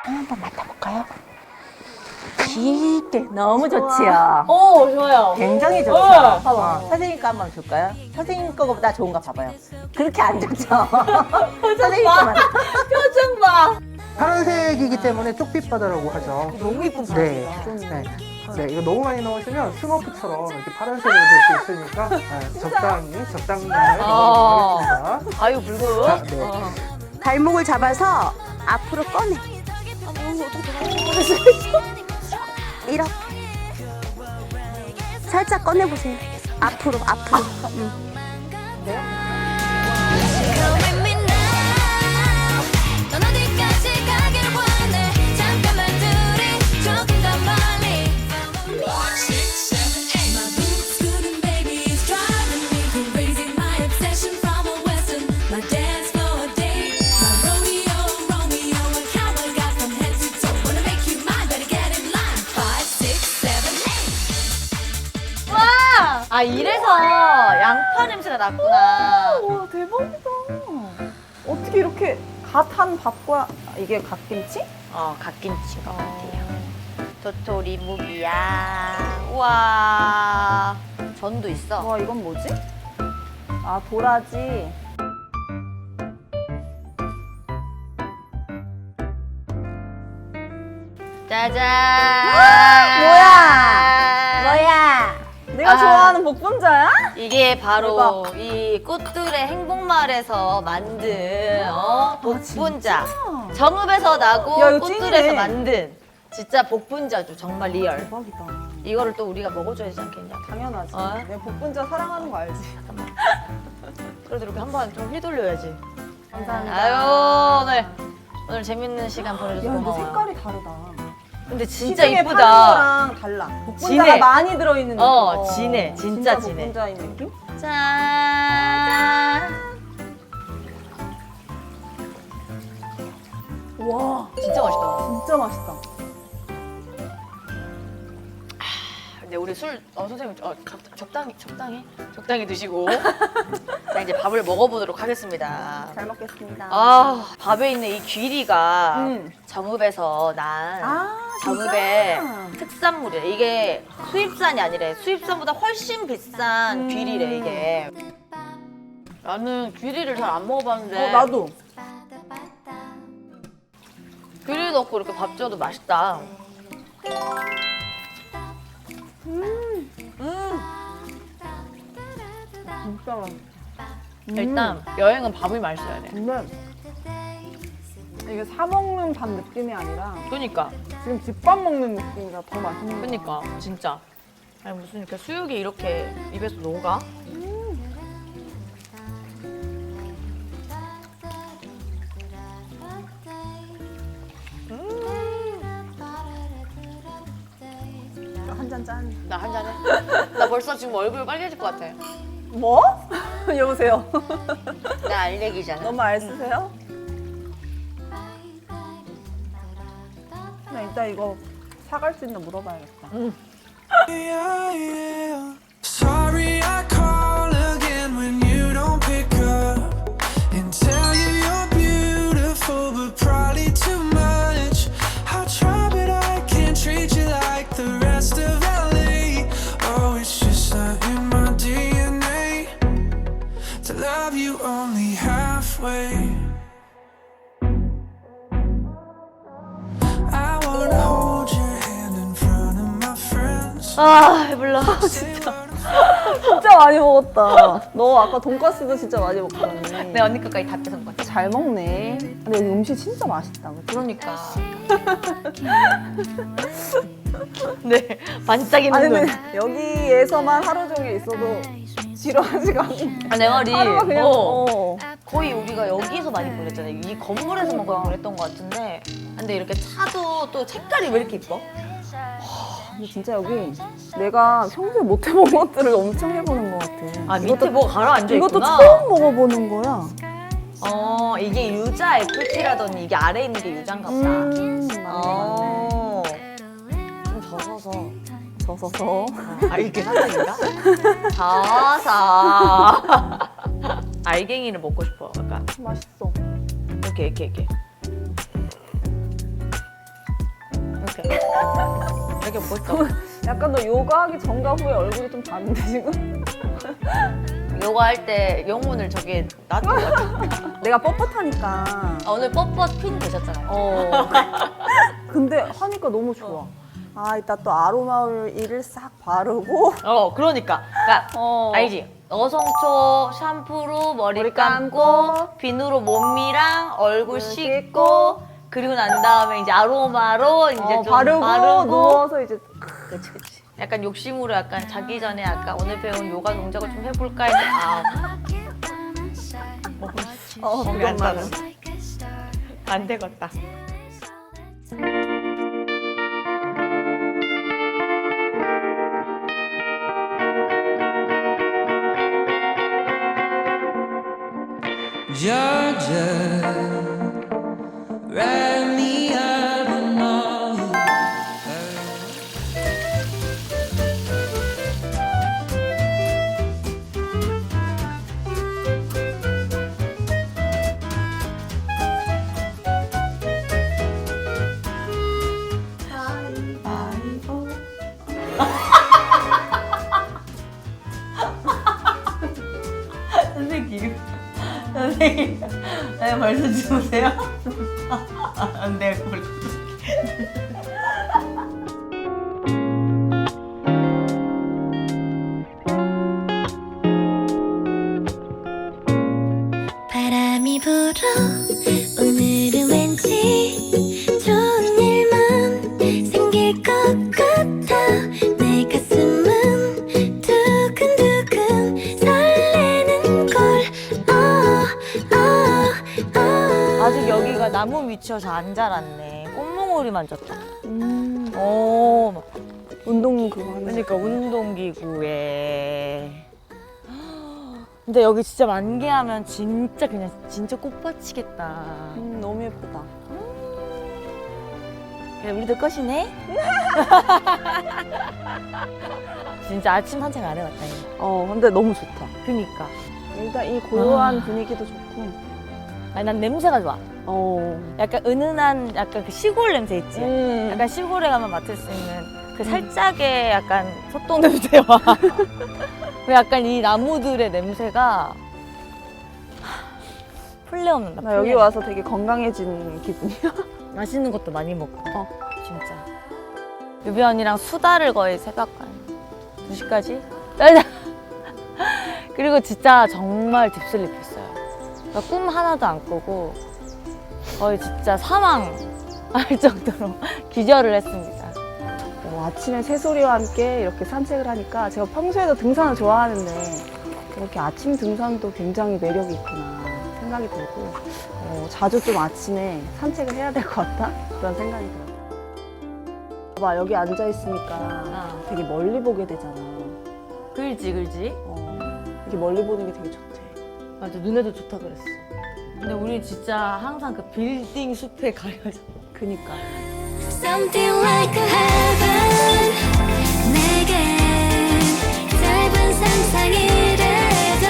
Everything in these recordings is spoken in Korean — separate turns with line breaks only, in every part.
향 한번 맡아볼까요? 깊게 너무 좋지요.
좋아요.
굉장히 좋죠.
봐봐.
선생님 거 한번 줄까요? 선생님 거보다 좋은 거 봐봐요. 그렇게 안 좋죠. 선생님 거만.
표정 봐.
파란색이기 때문에 쪽빛바다라고 하죠.
너무 이쁜
네.
바지다.
네, 이거 너무 많이 넣으시면 스모크처럼 이렇게 파란색으로 될 수 있으니까 적당히 넣어주겠습니다.
아유 불고.
자, 네.
발목을 잡아서 앞으로 꺼내. 이렇게. 살짝 꺼내보세요. 앞으로.
넌 어디까지 가길 원해 잠깐만 둘이 조금 더 멀리 5, 6, 7, 8 My boots scooting baby is driving me crazy My obsession from a western My dance floor date My Romeo A cowboy got from head to toe Wanna make you mine better get in line 5, 6, 7, 8
아 이래서 양파 냄새가 났구나.
와 대박이다. 어떻게 이렇게 갓한 밥과 이게 갓김치?
갓김치인 것 같아요. 도토리 무기야. 우와. 전도 있어.
와 이건 뭐지? 아 도라지.
짜잔.
뭐야? 내가
아.
좋아하는 복분자야?
이게 바로 이 꽃들의 행복마을에서 만든 복분자. 정읍에서 나고
야, 이거
꽃들에서
찐이네.
만든 진짜 복분자죠. 정말 리얼.
대박이다.
이거를 또 우리가 먹어줘야 되지 않겠냐.
당연하지.
어?
내가 복분자 사랑하는 거 알지?
그래도 이렇게 한번 좀 휘둘려야지.
감사합니다.
아유 오늘 재밌는 시간
야
보내줘서
근데
고마워.
색깔이 다르다.
근데 진짜
시중에 파는
이쁘다.
거랑 달라. 복분자가
진해.
많이 들어있는 느낌.
진해. 진짜 진해.
복분자인 느낌?
짠.
와
진짜 맛있다.
진짜 맛있다.
근데 우리 술 선생님 적당히 드시고 자 이제 밥을 먹어보도록 하겠습니다.
잘 먹겠습니다.
밥에 있는 이 귀리가
음.
정읍에서 난
진짜?
정읍의 특산물이래. 이게 수입산이 아니래. 수입산보다 훨씬 비싼 귀리래 이게. 나는 귀리를 잘 안 먹어봤는데
나도.
귀리 넣고 이렇게 밥 지어도 맛있다.
진짜 맛있다.
일단 여행은 밥이 맛있어야 돼.
근데 이게 사 먹는 밥 느낌이 아니라
그니까
지금 집밥 먹는 느낌이라 더 맛있는 거
그니까 진짜. 아니 무슨 이렇게 수육이 이렇게 입에서 녹아?
한잔 짠.
나 한 잔해. 나 벌써 지금 얼굴 빨개질 것 같아.
뭐? 여보세요.
나 알레기잖아.
너무 알 쓰세요? 나 이따 이거 사갈 수 있나 물어봐야겠다.
Sorry, I call again when you don't pick up and tell you you're beautiful, but probably too much. I try, but I can't treat you like the rest of LA. Oh, it's just not in my DNA to love you only halfway. I wanna hold your hand in front of my friends.
배불러.
진짜 많이 먹었다. 너 아까 돈가스도 진짜 많이 먹더니.
내 언니 것까지 다 뺏은 것 같아.
잘 먹네. 근데 여기 음식 진짜 맛있다. 그치?
그러니까. 네, 반짝이는
아니
눈.
근데 여기에서만 하루 종일 있어도 지루하지가 않네.
내 말이
하루가 그냥
거의 우리가 여기서 많이 보냈잖아요. 이 건물에서만 거의 보냈던 것 같은데. 근데 이렇게 차도 또 색깔이 왜 이렇게 이뻐?
근데 진짜 여기 내가 평소에 못 해본 것들을 엄청 해보는 것 같아.
밑에 뭐가 가라앉아
이것도
있구나.
처음 먹어보는 거야.
이게 유자 FT라더니 이게 아래에 있는 게 유자인가 보다. 좀 젖어서.
젖어서.
이게 사탕인가? 젖어서. 알갱이를 먹고 싶어. 약간
맛있어.
이렇게. 자기 먹고 싶다고.
약간 너 요가하기 전과 후에 얼굴이 좀 다른데 지금?
요가 할 때 영혼을 저기 놔두고.
내가 뻣뻣하니까.
오늘 뻣뻣 퀸 되셨잖아요.
근데 하니까 너무 좋아. 아, 이따 또 아로마 오일을 싹 바르고.
그러니까. 알지? 어성초 샴푸로 머리 감고,
감고,
비누로 몸이랑 얼굴 씻고, 그리고 난 다음에 이제 아로마로 이제 좀
바르고 누워서 이제.
그치. 약간 욕심으로 약간 자기 전에 약간 오늘 배운 요가 동작을 좀 해볼까 했는데 몸이 안 따라. 안 되겠다.
Georgia, wrap me up in all your
선생님, 벌써 주무세요? 안 돼, 벌써.
바람이 불어 오늘은 왠지 좋은 일만 생길 것 같아 내 가슴은 두근두근 설레는 걸
아직 여기가 나무 밑이어 잘 안 자랐네. 꽃몽오리 만졌다. 막
운동 그거 하는
그러니까 운동기구에. 근데 여기 진짜 만개하면 진짜 그냥 진짜 꽃밭이겠다.
너무 예쁘다.
그래, 우리도 끝이네. 진짜 아침 산책 안 해봤다. 이거.
근데 너무 좋다.
그니까.
일단 이 고요한 분위기도 좋고.
아니 난 냄새가 좋아.
어.
약간 은은한 약간 그 시골 냄새 있지.
음.
약간 시골에 가면 맡을 수 있는 그 살짝의 약간 소똥 냄새와 그 약간 이 나무들의 냄새가 플레 없는다.
나 여기 와서 되게 건강해진 기분이야.
맛있는 것도 많이 먹고. 진짜. 유비 언니랑 수다를 거의 새벽 한 2시까지. 그리고 진짜 정말 딥슬립 했어요. 그러니까 꿈 하나도 안 꾸고 거의 진짜 사망할 정도로 기절을 했습니다.
아침에 새소리와 함께 이렇게 산책을 하니까 제가 평소에도 등산을 좋아하는데 이렇게 아침 등산도 굉장히 매력이 있구나 생각이 들고 자주 좀 아침에 산책을 해야 될 것 같다 그런 생각이 들어요. 봐봐 여기 앉아 있으니까 되게 멀리 보게 되잖아.
그렇지.
이렇게 멀리 보는 게 되게 좋대.
맞아, 눈에도 좋다 그랬어. 근데 우리 진짜 항상 그 빌딩 숲에 가려져.
그니까.
Something like a heaven 내겐 짧은 상상이래도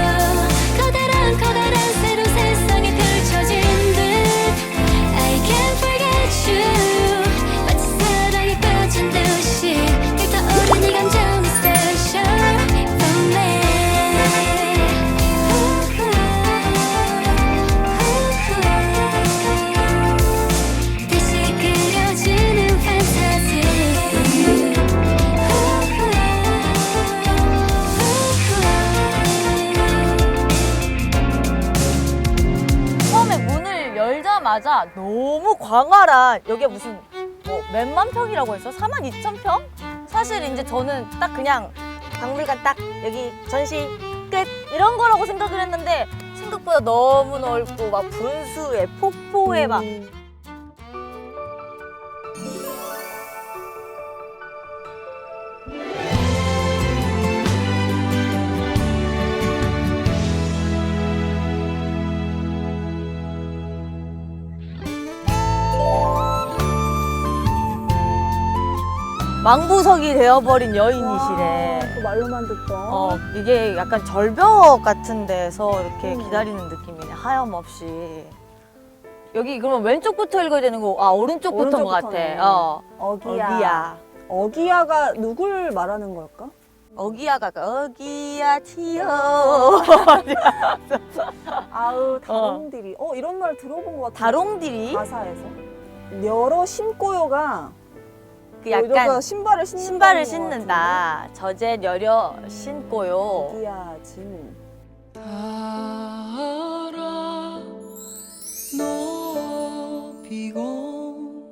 커다란 새로운 세상이 펼쳐진 듯 I can't forget you 마치 사랑에 빠진 듯이 불타오르는 이 감정이 special for me 다시 그려지는 판타지
처음에 문을 열자마자 너무 광활한 여기가 무슨 몇만 평이라고 했어? 42,000평? 사실 이제 저는 딱 그냥 박물관 딱 여기 전시 끝 이런 거라고 생각을 했는데 생각보다 너무 넓고 막 분수에 폭포에 막 망부석이 되어버린 여인이시래.
또 말로만 듣던.
이게 약간 절벽 같은 데서 이렇게 기다리는 느낌이네. 하염없이. 여기 그러면 왼쪽부터 읽어야 되는 거, 오른쪽부터인 것 같아.
오른쪽부터네. 어기야. 어기야가 누굴 말하는 걸까?
어기야가 어기야 튀어.
아우 다롱디리. 이런 말 들어본 것 같아.
다롱디리?
가사에서. 여러 신고요가
그
이러가
약간
신발을 신는다는
신발을
것
신는다. 젖에 여려 신고요.
같은데. 어기야 진.
알아 높이고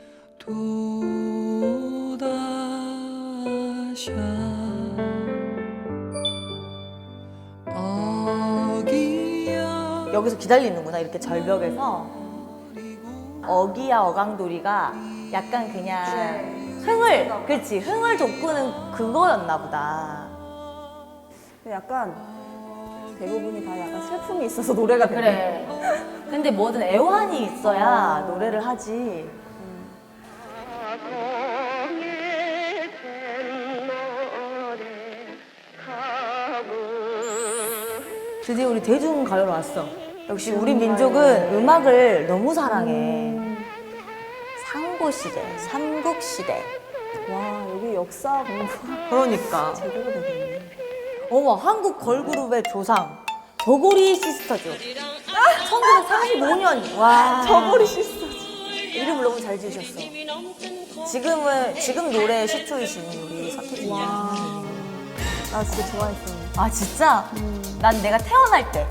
도다샤 어기야
여기서 기다리는구나, 이렇게 절벽에서. 어기야 어강돌이가 약간 그냥 흥을, 그치, 흥을 돋구는 그거였나 보다.
근데 약간 대부분이 다 약간 슬픔이 있어서 노래가 되네.
그래. 근데 뭐든 애환이 있어야 노래를 하지. 드디어 우리 대중가요로 왔어. 역시 우리 민족은 음악을 너무 사랑해. 상고시대, 삼국시대.
와 여기 역사 공부
그러니까.
제대로 되겠네.
어머, 한국 걸그룹의 조상. 저고리 시스터즈. 1945년. 와.
저고리 시스터즈.
이름을 너무 잘 지으셨어. 지금 노래 시초이신 우리 서태지 님.
나 진짜 좋아했어.
아, 진짜? 난 내가 태어날 때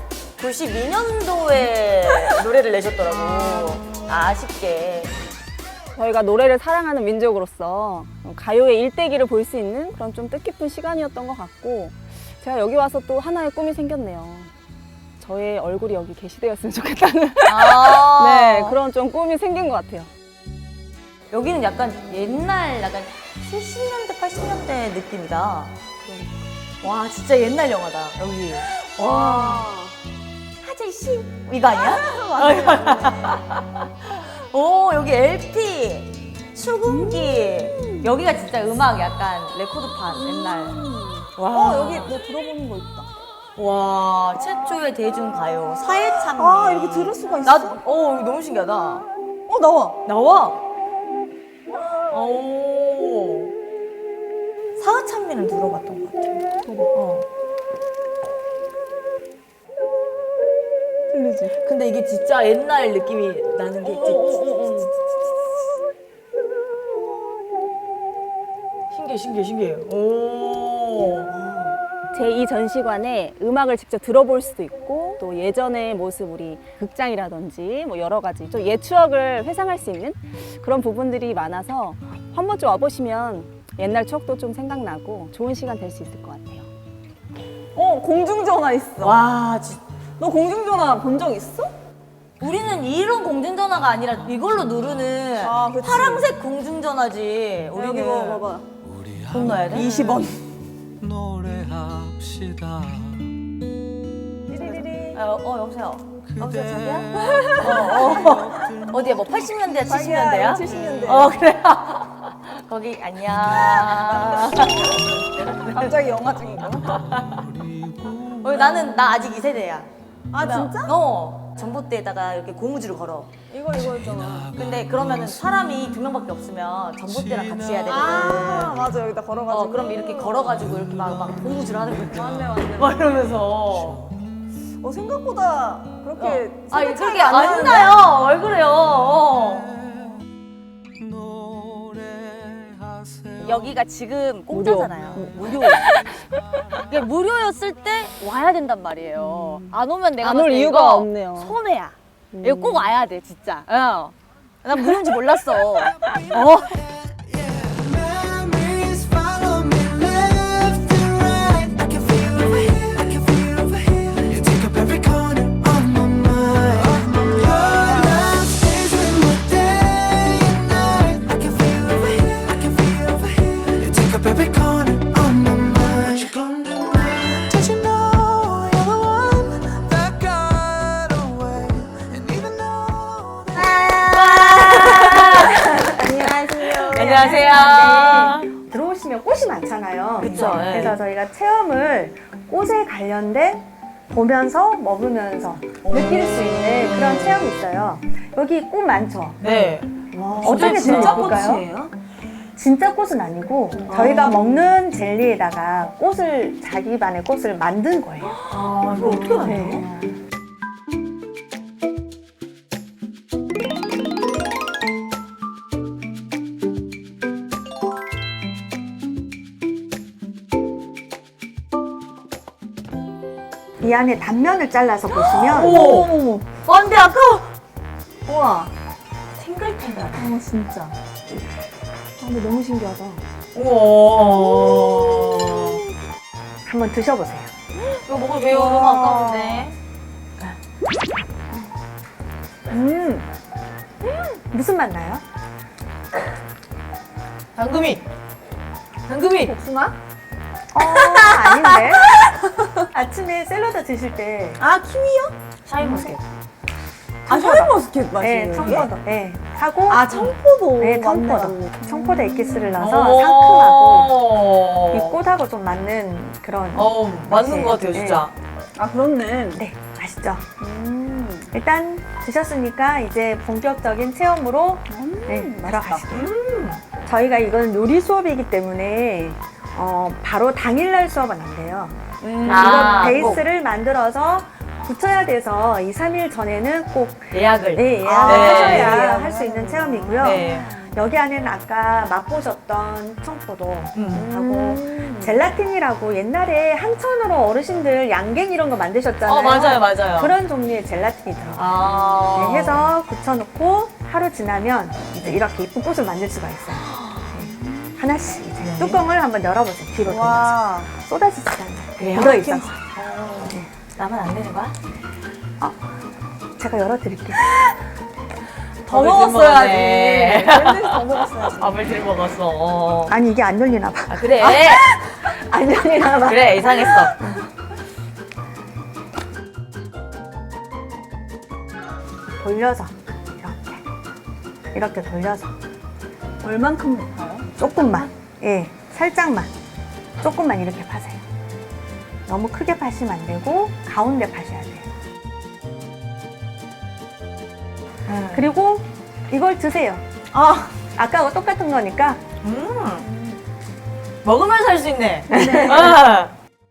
92년도에 노래를 내셨더라고. 아쉽게.
저희가 노래를 사랑하는 민족으로서 가요의 일대기를 볼 수 있는 그런 좀 뜻깊은 시간이었던 것 같고 제가 여기 와서 또 하나의 꿈이 생겼네요. 저의 얼굴이 여기 게시되었으면 좋겠다는
아.
네 그런 좀 꿈이 생긴 것 같아요.
여기는 약간 옛날, 약간 70년대, 80년대 느낌이다. 와, 진짜 옛날 영화다, 여기. 와. 하재씨? 이거 아니야? 오, 여기 LP, 수금기. 여기가 진짜 음악 약간 레코드판, 옛날. 와.
여기 뭐 들어보는 거 있다.
와, 최초의 대중가요. 사회참미.
아 이렇게 들을 수가 있어?
나, 이거 너무 신기하다.
나와.
나와? 오. 사회참미는 들어봤던 것 같아.
들리지?
근데 이게 진짜 옛날 느낌이 나는 게 있지. 신기해. 오.
제2전시관에 음악을 직접 들어볼 수도 있고 또 예전의 모습 우리 극장이라든지 뭐 여러 가지 좀 옛 추억을 회상할 수 있는 그런 부분들이 많아서 한 번쯤 와보시면 옛날 추억도 좀 생각나고 좋은 시간 될 수 있을 것 같아요. 공중전화 있어.
와, 진짜.
너 공중전화 본 적 있어?
우리는 이런 공중전화가 아니라 이걸로 누르는
아, 그치.
파란색 공중전화지. 우리는
여기 뭐 봐봐.
돈 넣어야 돼?
20원.
노래합시다
여보세요. 여보세요, 자기야? 어디야, 뭐 80년대야, 70년대야?
70년대.
그래. 거기, 안녕.
갑자기 영화 중인가?
나 아직 2세대야.
아 진짜?
전봇대에다가 이렇게 고무줄을 걸어.
이거였잖아.
근데 그러면은 사람이 2명밖에 없으면 전봇대랑 같이 해야 되거든.
아 맞아 여기다 걸어가지고.
그럼 이렇게 걸어가지고 이렇게 막 고무줄 하는 거 있잖아.
맞네.
막 이러면서.
생각보다 그렇게
그렇게
차이가 안
안
나는데?
나요. 왜 그래요?
노래하세요
여기가 지금 공짜잖아요. 무료. 이게 무료였을 때 와야 된단 말이에요. 안 오면 내가
안
봤을
올
때
이유가
이거
없네요.
손해야. 이거 꼭 와야 돼, 진짜. 난 무료인지 몰랐어.
Memories follow me left and right. I can feel over here, I can feel over here. You take up every corner of my mind. Your love stays with me day and night. I can feel over here, I can feel over here. You take up every corner of my mind. You come to mind. Don't you know you're the one that got away? And even though
안녕하세요.
들어오시면 꽃이 많잖아요.
그쵸, 예.
그래서 저희가 체험을 꽃에 관련된 보면서 먹으면서 느낄 수 있는 그런 체험이 있어요. 여기 꽃 많죠?
네.
어떻게
진짜
들어볼까요?
꽃이에요?
진짜 꽃은 아니고 저희가 먹는 젤리에다가 꽃을 자기만의 꽃을 만든 거예요.
아, 이거 어떻게 만들어?
네. 이 안에 단면을 잘라서 보시면
오! 안 돼, 아까워!
우와.
탱글탱글.
진짜. 근데 너무 신기하다.
우와.
한번 드셔보세요.
이거 먹을 왜요? 너무 아까운데.
무슨 맛 나요?
당금이! 당금이!
복숭아?
아닌데. 아침에 샐러드 드실 때
아, 키위요?
샤인머스켓.
아, 샤인머스켓 맛이에요.
네, 청포도. 네, 하고
아, 청포도.
네,
맞네,
청포도.
맞네.
청포도 에기스를 넣어서 상큼하고 이
오.
꽃하고 좀 맞는 그런
맞는 것 같아요, 진짜.
아, 그렇네.
네, 맛있죠. 일단 드셨으니까 이제 본격적인 체험으로 네, 들어가실게요. 저희가 이건 요리 수업이기 때문에 바로 당일날 수업은 안 돼요.
아,
이거 베이스를 만들어서 붙여야 돼서 2, 3일 전에는 꼭
예약을.
네, 예약을
네.
하셔야 할 수 있는 체험이고요.
네.
여기 안에는 아까 맛보셨던 청포도 하고
음.
젤라틴이라고 옛날에 한천으로 어르신들 양갱 이런 거 만드셨잖아요.
맞아요, 맞아요.
그런 종류의 젤라틴이 들어가요.
아.
네, 해서 굳혀놓고 하루 지나면 이제 이렇게 예쁜 꽃을 만들 수가 있어요. 네. 하나씩 이제
네.
뚜껑을 한번 열어보세요. 뒤로 돌려서
와.
쏟아지지 않아요.
그래요?
묻어있어서.
나만 안 되는 거야?
제가 열어드릴게요.
더
밥을
먹었어야지.
들먹었네.
샌드위치 더 먹었어야지.
밥을 들 먹었어.
아니 이게 안 열리나 봐.
아, 그래.
안 열리나 봐.
그래, 이상했어.
돌려서 이렇게 돌려서
얼만큼 높아요?
조금만, 예, 살짝만, 조금만 이렇게 파세요. 너무 크게 파시면 안 되고 가운데 파셔야 돼요. 그리고 이걸 드세요. 아까와 똑같은 거니까
먹으면서 할 수 있네. 아.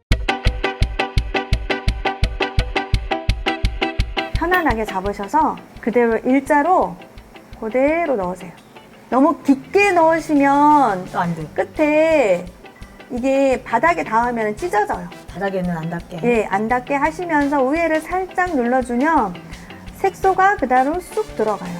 편안하게 잡으셔서 그대로 일자로 그대로 넣으세요. 너무 깊게 넣으시면
또 안 돼.
끝에 이게 바닥에 닿으면 찢어져요.
바닥에는 안 닿게.
예, 안 닿게 하시면서 위에를 살짝 눌러주면 색소가 그대로 쑥 들어가요.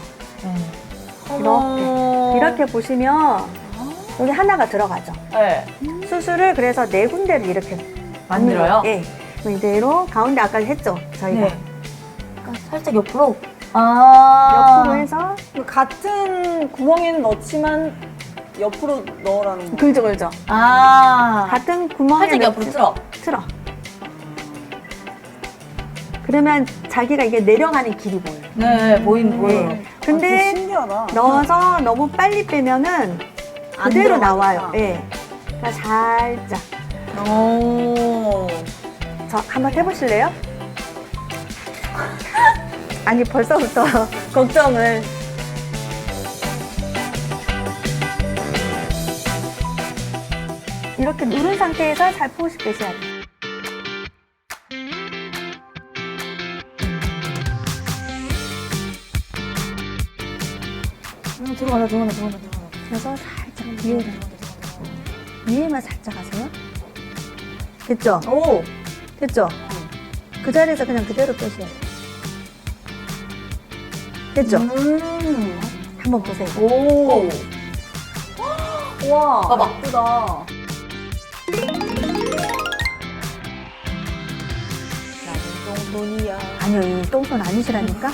이렇게 보시면 여기 하나가 들어가죠.
네.
수술을 그래서 4군데를 이렇게
만들어요?
예. 그럼 이대로 가운데 아까 했죠? 저희가.
네. 살짝 옆으로. 아.
옆으로 해서
같은 구멍에는 넣지만 옆으로 넣으라는 거.
그죠, 그죠.
아.
같은 구멍에
살짝 옆으로 틀어.
틀어. 그러면 자기가 이게 내려가는 길이 보여요.
네, 보여요.
네. 근데
신기하다.
넣어서 너무 빨리 빼면은
안
그대로
들어가니까.
나와요. 예. 그러니까 살짝.
오.
저 한번 해보실래요? 아니 벌써부터 걱정을. 이렇게 누른 상태에서 살포시 빼셔야 돼요.
들어간다.
그래서 살짝 위에만 살짝 하세요. 됐죠?
오.
됐죠? 그 자리에서 그냥 그대로 빼셔야 돼요. 됐죠? 한번 보세요.
오.
와,
봐봐.
예쁘다. 똥손이야.
아니요, 이 똥손 아니시라니까?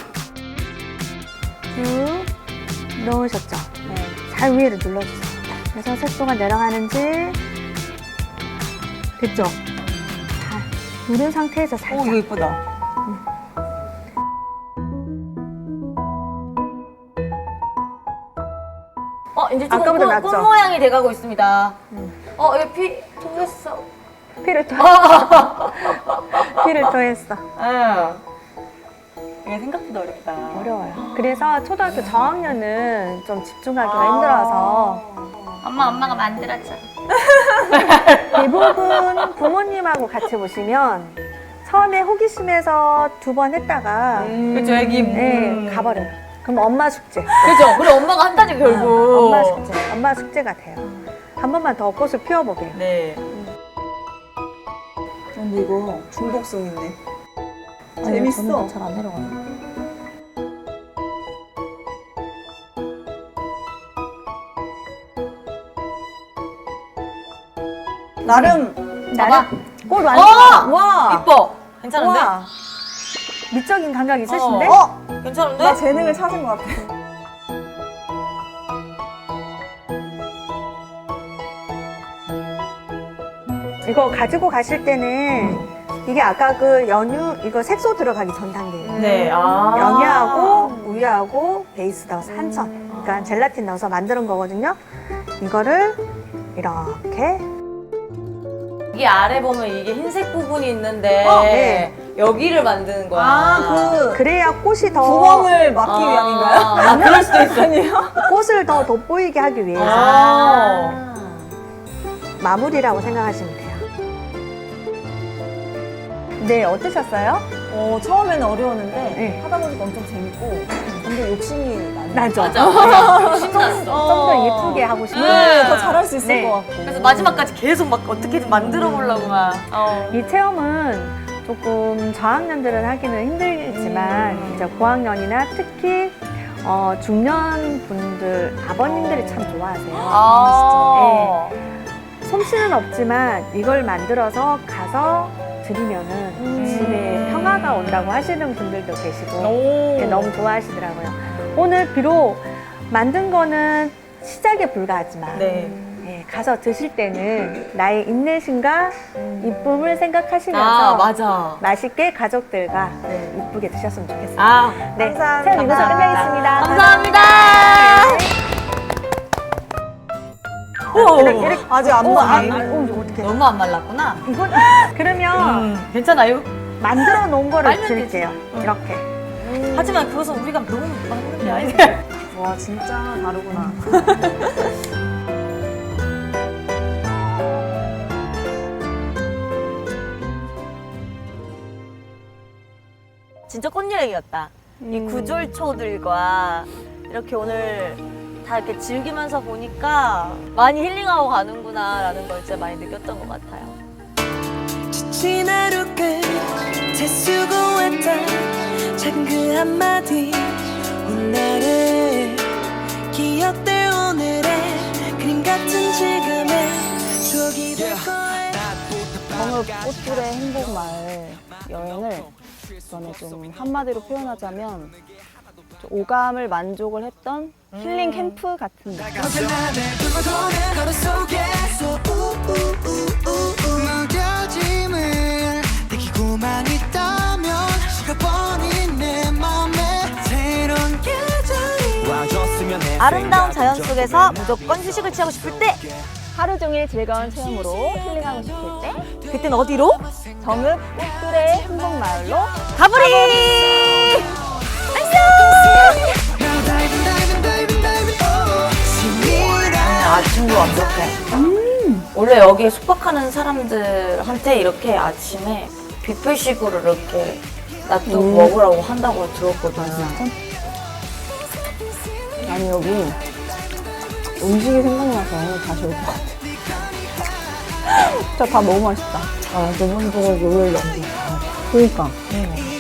쭉 넣으셨죠? 네. 잘 위에를 눌러주세요. 그래서 색소가 내려가는지 됐죠? 잘 누른 상태에서 살짝.
오, 이거 예쁘다. 이제 조금
아까보다
꽃
낫죠?
모양이 돼가고 있습니다. 여기 피 통했어.
피를 토 피를 토했어.
이게 생각보다 어렵다.
어려워요. 그래서 초등학교 저학년은 좀 집중하기가 힘들어서
엄마가 만들었죠.
대부분 부모님하고 같이 보시면 처음에 호기심에서 2번 했다가
그죠, 애기.
네, 가버려요. 그럼 엄마 숙제.
그죠. 그래, 엄마가 한다지, 결국.
엄마 숙제. 엄마 숙제가 돼요. 한 번만 더 꽃을 피워보게요.
네.
근데 이거 중독성 있네. 재밌어.
잘안 내려가네.
나름
꽃
어!
완성.
와.
이뻐. 괜찮은데?
와.
미적인 감각 있으신데?
괜찮은데?
나 재능을 찾은 것 같아.
이거 가지고 가실 때는 이게 아까 그 연유 이거 색소 들어가기 전 단계예요.
네. 아.
연유하고 우유하고 베이스 넣어서 한천. 그러니까 젤라틴 넣어서 만드는 거거든요. 이거를 이렇게
이게 아래 보면 이게 흰색 부분이 있는데
네.
여기를 만드는 거야.
아,
그래야 꽃이 더
구멍을 막기 위함인가요?
아, 그럴 수도 있어.
꽃을 더 돋보이게 하기 위해서
아.
마무리라고 생각하시면 돼요. 네, 어떠셨어요?
처음에는 어려웠는데
네.
하다 보니까 엄청 재밌고 근데 욕심이 나네.
나죠?
맞아. 신났어.
좀 더 예쁘게 하고 싶어요.
네.
더 잘할 수 있을
네.
것 같고.
그래서 마지막까지 계속 막 어떻게든 만들어 보려고 막.
이 체험은 조금 저학년들은 하기는 힘들지만 이제 고학년이나 특히 중년 분들 아버님들이 참 좋아하세요.
아.
솜씨는 없지만 이걸 만들어서 가서 드리면은 집에 평화가 온다고 하시는 분들도 계시고 네, 너무 좋아하시더라고요. 오늘 비록 만든 거는 시작에 불과하지만
네.
예, 가서 드실 때는 나의 인내심과 이쁨을 생각하시면서
아, 맞아.
맛있게 가족들과 이쁘게 드셨으면 좋겠어요.
아,
네,
감사합니다.
체험 이것으로 끝내겠습니다.
감사합니다.
아직 안
어떻게?
너무 안 말랐구나.
이건 그러면
괜찮아요?
만들어 놓은 거를
빨면 되지.
드릴게요. 이렇게.
하지만 그것은 우리가 너무 많은 게 아니야.
와 진짜 다르구나.
진짜 꽃여행이었다. 이 구절초들과 이렇게 오늘 다 이렇게 즐기면서 보니까 많이 힐링하고 가는구나라는 걸 진짜 많이 느꼈던 것 같아요.
지친 하루 끝에 수고했다 작은 그 한마디 오늘의 기억될 오늘의 그림 같은 지금의 추억이 될 거야.
정읍 꽃들의 행복마을 여행을 저는 좀 한마디로 표현하자면 좀 오감을 만족을 했던 힐링 캠프 같은 느낌.
걸어 속에서 무뎌짐을 느끼고만 있다면 식어버린 내 맘에 새로운 계절이 와줬으면 해.
아름다운 자연 속에서 무조건 휴식을 취하고 싶을 때
하루 종일 즐거운 체험으로 힐링하고 싶을 때
그땐 어디로?
정읍 꽃들의 행복마을로
가브리!
Now diving, diving, diving, diving, oh, 신이라.
아침도 완벽해. 원래 여기에 숙박하는 사람들한테 이렇게 아침에 뷔페식으로 이렇게 놔두고 먹으라고 한다고 들었거든.
아니 여기 음식이 생각나서 다시 올 것 같아. 진짜 다 너무 맛있다. 아, 너 혼자 요리를 너무 잘해. 그러니까.